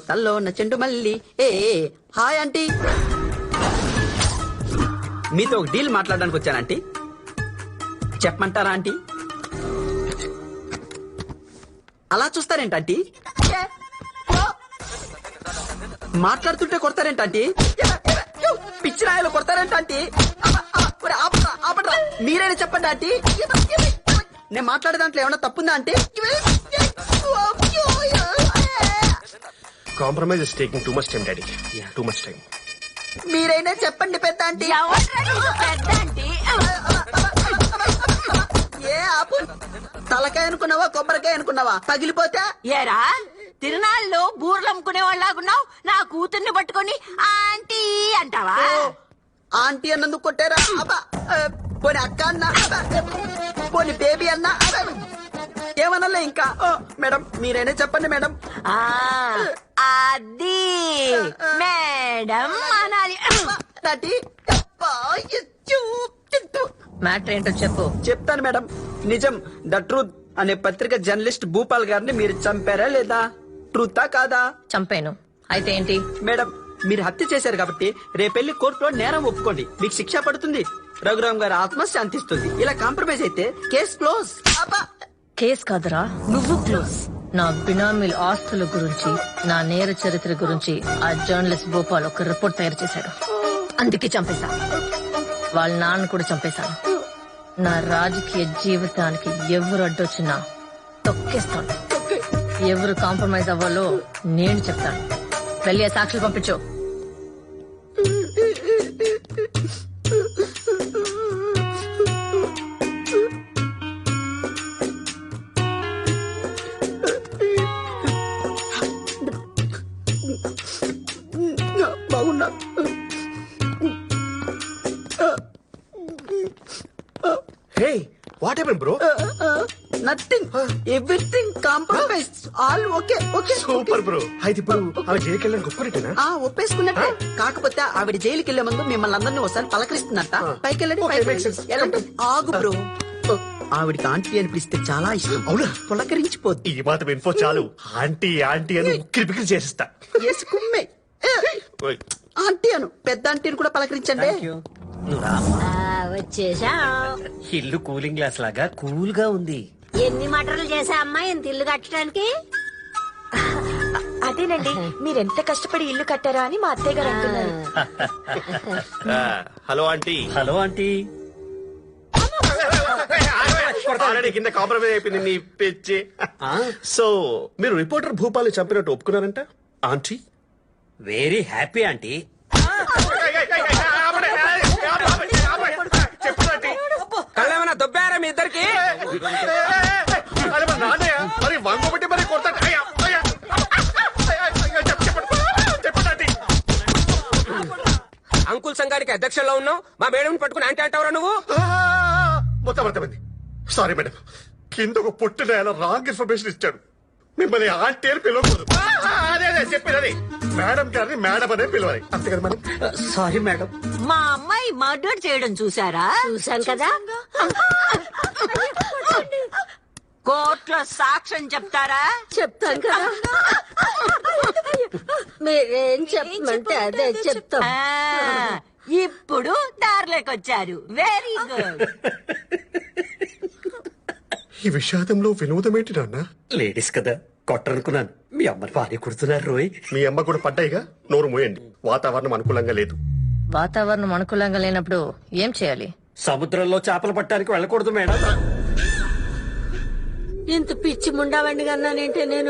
తల్లో ఉన్న చెండు మల్లి. ఏ హాయ్ ఆంటీ, మీతో ఒక డీల్ మాట్లాడడానికి వచ్చాను ఆంటీ. చెప్పమంటారా ఆంటీ? అలా చూస్తారేంటి ఆంటీ? మాట్లాడుతుంటే కొడతారేంటి ఆంటీ? పిచ్చి రాయలు కొడతారేంటి ఆంటీ? మీరైనా చెప్పండి ఆంటీ. నేను మాట్లాడే దాంట్లో ఏమన్నా తప్పుందా aunty? Compromise is taking too much time daddy. Too much time. మీరైనా చెప్పండి పెద్ద ఆంటీ. ఏ ఆపు. తలకాయ అనుకున్నావా కొబ్బరికాయ అనుకున్నావా? పగిలిపోతే ఏరా తిరునాళ్ళు బూర్లు అమ్ముకునే వాళ్ళగున్నావు, నా కూతుర్ని పట్టుకొని ఆంటీ అంటావా? ఆంటీ అన్నందుకు కొట్టారా? అబ్బా, పోనీ అక్క అన్నా, పోనీ బేబీ అన్నా, ఏమనలే ఇంకా. మేడం మీరైనా చెప్పండి మేడం. అది మేడం అనాలి. మ్యాటర్ ఏంటో చెప్పు. చెప్తాను మేడం. నిజం ద ట్రూత్ అనే పత్రిక జర్నలిస్ట్ భూపాల్ గారిని మీరు చంపారా లేదా? ట్రూతా కాదా? చంపాను. అయితే ఏంటి? మేడం మీరు హత్య చేశారు కాబట్టి రేపెళ్లి కోర్టులో నేరం ఒప్పుకోండి, మీకు శిక్ష పడుతుంది, రఘురామ్ గారి ఆత్మ శాంతిస్తుంది. ఇలా కాంప్రమైజ్ అయితే కేస్ క్లోజ్. కేస్ కాదురా, నువ్వు క్లోజ్. నా బినామీల ఆస్తుల గురించి, నా నేర చరిత్ర గురించి ఆ జర్నలిస్ట్ భూపాల్ ఒక రిపోర్ట్ తయారు చేశాడు. అందుకే చంపేశా. వాళ్ళ నాన్న కూడా చంపేశాను. నా రాజకీయ జీవితానికి ఎవరు అడ్డొచ్చినా తొక్కేస్తాను. ఎవరు కాంప్రమైజ్ అవ్వాలో నేను చెప్తాను. వెళ్ళి ఆ సాక్షులు పంపించు. బాగున్నా. Hey what happen bro? Nothing, everything compromise, all okay. Okay super bro. అయితే ఇప్పుడు ఆమె జైలుకి వెళ్ళడానికి ఒప్పుకున్నట్టేనా? ఒప్పేసుకున్నట్టే. కాకపోతే ఆవిడ జైలుకి వెళ్లే ముందు మిమ్మల్ని అందరినీ ఒకసారి పలకరిస్తున్నట్ట. పైకి వెళ్ళండి. ఆగు బ్రో. ఆవిడికి ఆంటీ అని పిలిస్తే చాలా ఇష్టం. అవునా? పులకరించిపోద్ది. ఈ మాత్రం ఇన్ఫో చాలు. ఆంటీ ఆంటీ అని ఉక్కిరి బిక్కిరి చేసిస్తా. వేసుకుమ్మే. ఆంటీ అను, పెద్ద ఆంటీని కూడా పలకరించండి. వచ్చేసా. ఇల్లు కూలింగ్ గ్లాస్ లాగా కూల్ గా ఉంది. ఎన్ని మటర్లు చేసా అమ్మా ఇంత ఇల్లు కట్టడానికి? అదేనండి, మీరెంత కష్టపడి ఇల్లు కట్టారా అని మా అత్తయ్య గారు అంటున్నారు. Hello aunty. Hello aunty. Already కింద కాంప్రమైజ్ అయిపోయింది నీ పిచ్చి. సో మీరు రిపోర్టర్ భూపాల్ని చంపినట్టు ఒప్పుకున్నారంట ఆంటీ? Very happy aunty. కళ్ళేమన్నా దొబ్బారా మీ ఇద్దరికి? మరి వంగబట్టి మరి కొడతాడు. అంకుల్ సంఘానికి అధ్యక్షుల్లో ఉన్నావు, మా మేడం పట్టుకుని అంటే అంటావురా నువ్వు? మొత్తం అర్థమైంది. సారీ మేడం, కింద ఒక పుట్టిన ఆయన రాంగ్ ఇన్ఫర్మేషన్ ఇచ్చాడు. మిమ్మల్ని ఆంటీ అని పిలవకూడదు. అదే చెప్పేది, మేడం గారిని మేడం అనే పిలవాలి, అంతే కదా మేడం? Sorry madam. మా అమ్మాయి మర్డర్ చేయడం చూసారా? చూసాం కదా. కోర్టులో సాక్ష్యం చెప్తారా? చెప్తాం కదా. మీరేం చెప్పమంటే అదే చెప్తాం. ఇప్పుడు దారిలోకి వచ్చారు. Very good. ఈ విషాదంలో వినోదం ఏంటి నాన్న? లేడీస్ కదా కొట్టరనుకున్నాను. మీ అమ్మని భార్య కుడుతున్నారు రోయ్. మీ అమ్మ కూడా పడ్డాయిగా, నోరు మూయండి. వాతావరణం అనుకూలంగా లేదు. వాతావరణం అనుకూలంగా లేనప్పుడు ఏం చేయాలి? సముద్రంలో చేపలు పట్టడానికి వెళ్ళకూడదు మేడం. ఇంత పిచ్చి ముండావండి కన్నానంటే నేను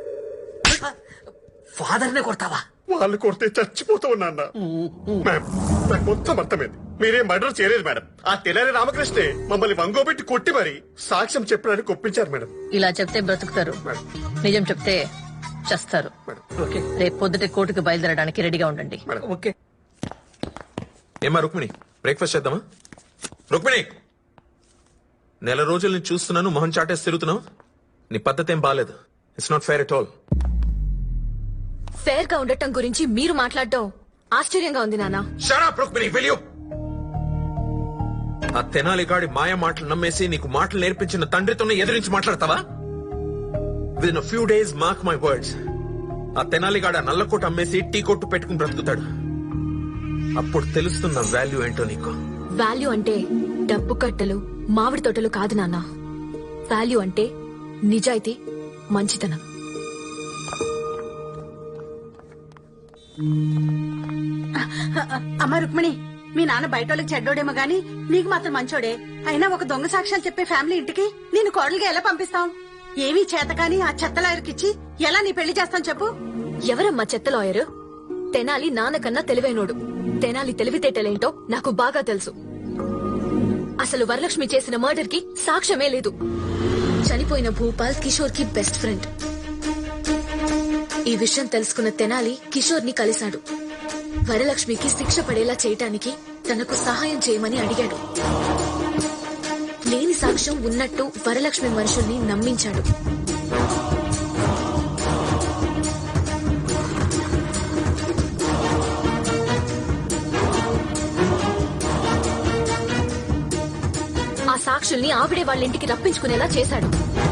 ఫాదర్ నే కొడతావా? వాళ్ళు కొడితే చచ్చిపోతూ ఉన్నా మ్యామ్. నాకు మొత్తం అర్థమైంది. మీరేం మర్డర్ చేయలేదు మేడం. ఆ తెల్లారి రామకృష్ణే మమ్మల్ని వంగోబెట్టి కొట్టి మరి సాక్ష్యం చెప్పడానికి ఒప్పించారు మేడం. ఇలా చెప్తే బ్రతుకుతారు, నిజం చెప్తే చస్తారు. రేపు పొద్దుటే కోర్టుకు బయలుదేరడానికి రెడీగా ఉండండి. ఓకే. ఏమా రుక్మిణి, బ్రేక్ఫాస్ట్ చేద్దామా? రుక్మిణి, నెల రోజుల నుంచి చూస్తున్నాను, మొహం చాటేసి తిరుగుతున్నావు. నీ పద్ధతి ఏం బాలేదు. It's not fair at all. Fair గా ఉండటం గురించి మీరు మాట్లాడటం ఆశ్చర్యంగా ఉంది నాన్న. Shut up, Rukmini, will you? ఆ తెనాలిగాడి మాయ మాటలు నమ్మేసి నీకు మాటలు నేర్పించిన తండ్రితోనే ఎదిరించి మాట్లాడతావా? Within a few days, mark my words, ఆ తెనాలిగాడ నల్లకోట అమ్మేసి టీ కొట్టు పెట్టుకుని బ్రతుకుతాడు. అప్పుడు తెలుస్తున్న వాల్యూ ఏంటో నీకు. వాల్యూ అంటే డబ్బు కట్టలు మామిడి తోటలు కాదు నాన్న. వాల్యూ అంటే నిజాయితీ, మంచితనం. అమ్మ రుక్మిణి, మీ నాన్న బయట వాళ్ళకి చెడ్డోడేమో గాని నీకు మాత్రం మంచోడే. అయినా ఒక దొంగ సాక్ష్యాలు చెప్పే ఫ్యామిలీ ఇంటికి నేను కోడలుగా ఎలా పంపిస్తాం? ఏమీ చేత కాని ఆ చెత్త లాయర్కిచ్చి ఎలా నీ పెళ్లి చేస్తాను చెప్పు? ఎవరమ్మా చెత్త లాయరు? తెనాలి నాన్నకన్నా తెలివైనోడు. తెనాలి తెలివితేటలేంటో నాకు బాగా తెలుసు. అసలు వరలక్ష్మి చేసిన మర్డర్ కి సాక్ష్యమే లేదు. చనిపోయిన భూపాల్ కిషోర్ కి బెస్ట్ ఫ్రెండ్. ఈ విషయం తెలుసుకున్న తెనాలి కిషోర్ ని కలిశాడు. వరలక్ష్మికి శిక్ష పడేలా చేయటానికి తనకు సహాయం చేయమని అడిగాడు. లేని సాక్ష్యం ఉన్నట్టు వరలక్ష్మి మనుషుల్ని నమ్మించాడు. ఆ సాక్షుల్ని ఆవిడే వాళ్ళ ఇంటికి రప్పించుకునేలా చేశాడు.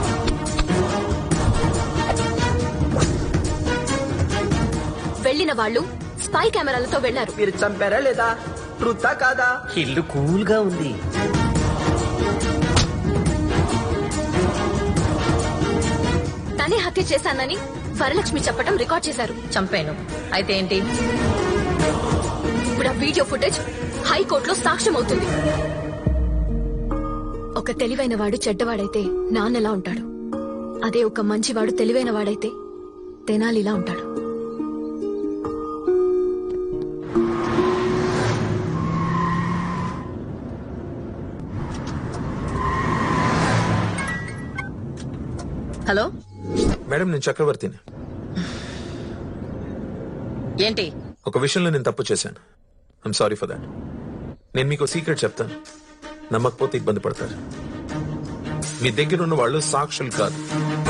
వెళ్లిన వాళ్ళు స్పై కెమెరాలతో వెళ్లారు. మీరు చంపారా లేదా? ట్రూతా కాదా? ఇల్లు కూల్ గా ఉంది. తనే హత్య చేశానని వరలక్ష్మి చెప్పడం రికార్డ్ చేశారు. చంపాను. అయితే ఏంటి? ఇప్పుడు ఆ వీడియో ఫుటేజ్ హైకోర్టులో సాక్ష్యం అవుతుంది. ఒక తెలివైన వాడు చెడ్డవాడైతే నాన్నలా ఉంటాడు. అదే ఒక మంచివాడు తెలివైన వాడైతే తెనాలిలా ఉంటాడు. హలో, మేడం, నేను చక్రవర్తిని. ఏంటి? ఒక విషయంలో నేను తప్పు చేశాను. I'm sorry for that. నేను మీకు సీక్రెట్ చెప్తాను. నమ్మకపోతే ఇబ్బంది పడతారు. మీ దగ్గర ఉన్న వాళ్ళు సాక్షులు కాదు.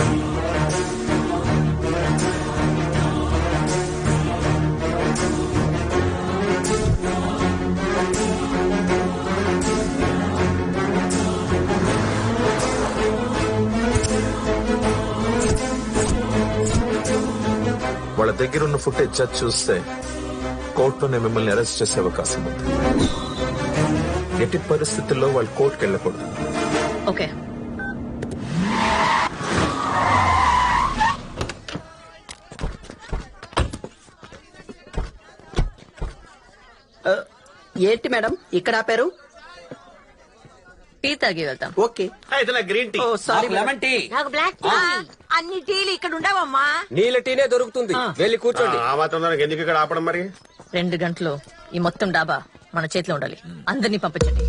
వాళ్ళ దగ్గర ఉన్న ఫుటేజ్ జడ్జ్ చూస్తే కోర్టులోనే మిమ్మల్ని అరెస్ట్ చేసే అవకాశం ఉంది. ఎట్టి పరిస్థితుల్లో వాళ్ళు కోర్టుకు వెళ్ళకూడదు. ఓకే. ఏంటి మేడం ఇక్కడ ఆపారు? టీ తాగి వెళ్తాం. ఓకే. అయితే నా green tea. Oh sorry lemon tea. నాకు బ్లాక్ అన్ని టీలు ఇక్కడ ఉండవమ్మా. నీళ్ళ టీనే దొరుకుతుంది. వెళ్ళి కూర్చోండి. ఆ మాత్రం దానికి ఎందుకు ఇక్కడ ఆపడం మరి? 2 గంటలు ఈ మొత్తం డాబా మన చేతిలో ఉండాలి. అందరినీ పంపించండి.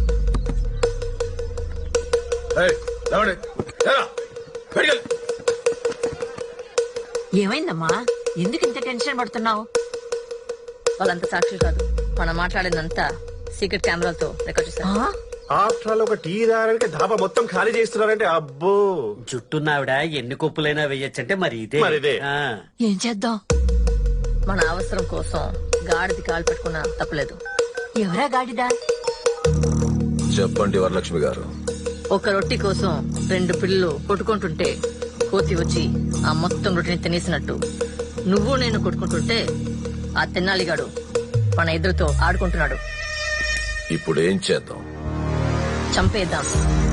ఏమైందమ్మా? ఎందుకు ఇంత టెన్షన్ పడుతున్నావు? వాళ్ళంతా సాక్షులు కాదు. మనం మాట్లాడిందంతా సీక్రెట్ కెమెరాలతో రికార్డ్ చేశారు. ఆఫ్టర్ ఆల్ ఒక టీ దారానికి ధాబా మొత్తం ఖాళీ చేస్తున్నారంటే అబ్బో. జుట్టున్నావిడ ఎన్ని కొప్పులైనా వేయచ్చంటే మరి ఇదే. మరిదే. ఏం చేద్దాం? మన అవసరం కోసం గాడిది కాలు పెట్టుకున్నా తప్పలేదు. ఎవరా గాడిదా? చెప్పండి వరలక్ష్మి గారు. ఒక రొట్టి కోసం 2 పిల్లలు కొట్టుకుంటుంటే కోతి వచ్చి ఆ మొత్తం రొట్టిని తినేసినట్టు నువ్వు నేను కొట్టుకుంటుంటే ఆ తెన్నాలిగాడు మన ఎదురుతో ఆడుకుంటున్నాడు. ఇప్పుడు ఏం చేద్దాం? చంపేద్దాం.